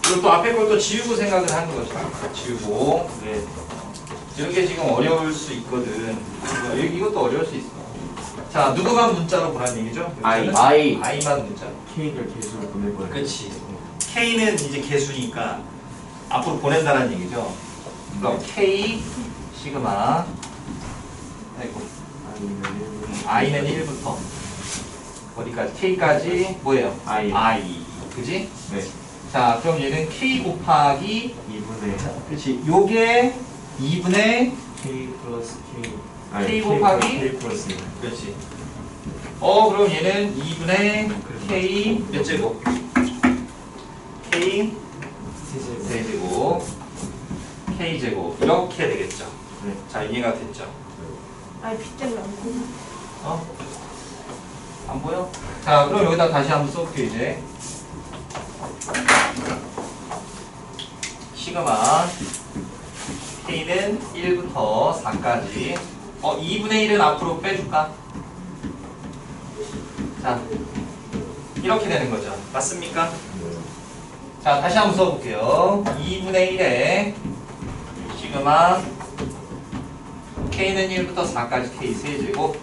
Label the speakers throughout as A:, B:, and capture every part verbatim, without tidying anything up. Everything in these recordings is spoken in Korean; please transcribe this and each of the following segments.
A: 그리고 또 앞에 걸 또 지우고 생각을 하는 거죠. 지우고. 네. 이런 게 지금 어려울 수 있거든. 여기 이것도 어려울 수 있어. 자, 누구만 문자로 보라는 얘기죠?
B: I.
C: I.
A: I만 문자로.
B: K를 개수로 보내버려.
A: 그렇지. K는 이제 개수니까 앞으로 보낸다는 얘기죠. 그럼 K 시그마. 아이고. I는 일부터 어디까지? K까지 뭐예요?
B: I.
A: I. 그지?
B: 네.
A: 자, 그럼 얘는 K 곱하기
B: 이분의
A: 그렇지. 요게 이분의
B: K 플러스 K.
A: K 곱하기?
B: K 플러스 일.
A: 그렇지. 어, 그럼 얘는 이분의 K 몇 제곱? K
B: 세제곱.
A: 세제곱 K 제곱 이렇게 되겠죠.
B: 네.
A: 자, 이해가 됐죠?
D: 아니 비 때문에 안 보여.
A: 어? 안 보여? 자, 그럼 여기다 다시 한번 써볼게요, 이제. 시그마 K는 일부터 사까지. 어, 이분의 일은 앞으로 빼줄까? 자, 이렇게 되는 거죠. 맞습니까? 자, 다시 한번 써볼게요. 이분의 일에 시그마 K는 일부터 사까지 K 세제곱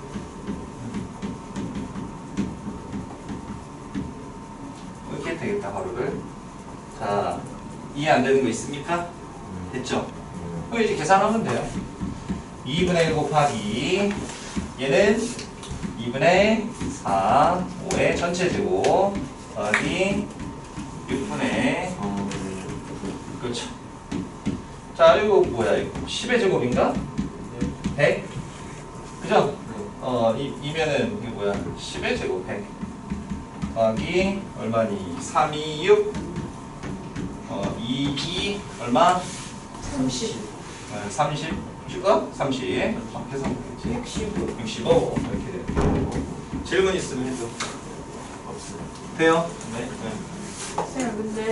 A: 이렇게 되겠다, 하루를. 자, 이해 안 되는 거 있습니까? 됐죠? 그럼 이제 계산하면 돼요. 이분의 일 곱하기 얘는 이분의 사, 오의 전체 제곱 더하기 육분의
B: 어,
A: 그렇죠. 자, 이거 뭐야 이거 십의 제곱인가? 백? 그죠? 어, 이, 이면은 이게 뭐야 십의 제곱 백 더하기 얼마니? 삼, 이, 육 어, 이, 이 얼마?
D: 삼십.
A: 어, 삼십 어? 삼십 어, 계산 되겠지?
D: 육십.
A: 육십오 이렇게 돼요. 질문 있으면 해줘.
B: 없어요.
A: 돼요? 네. 네.
D: 쌤 근데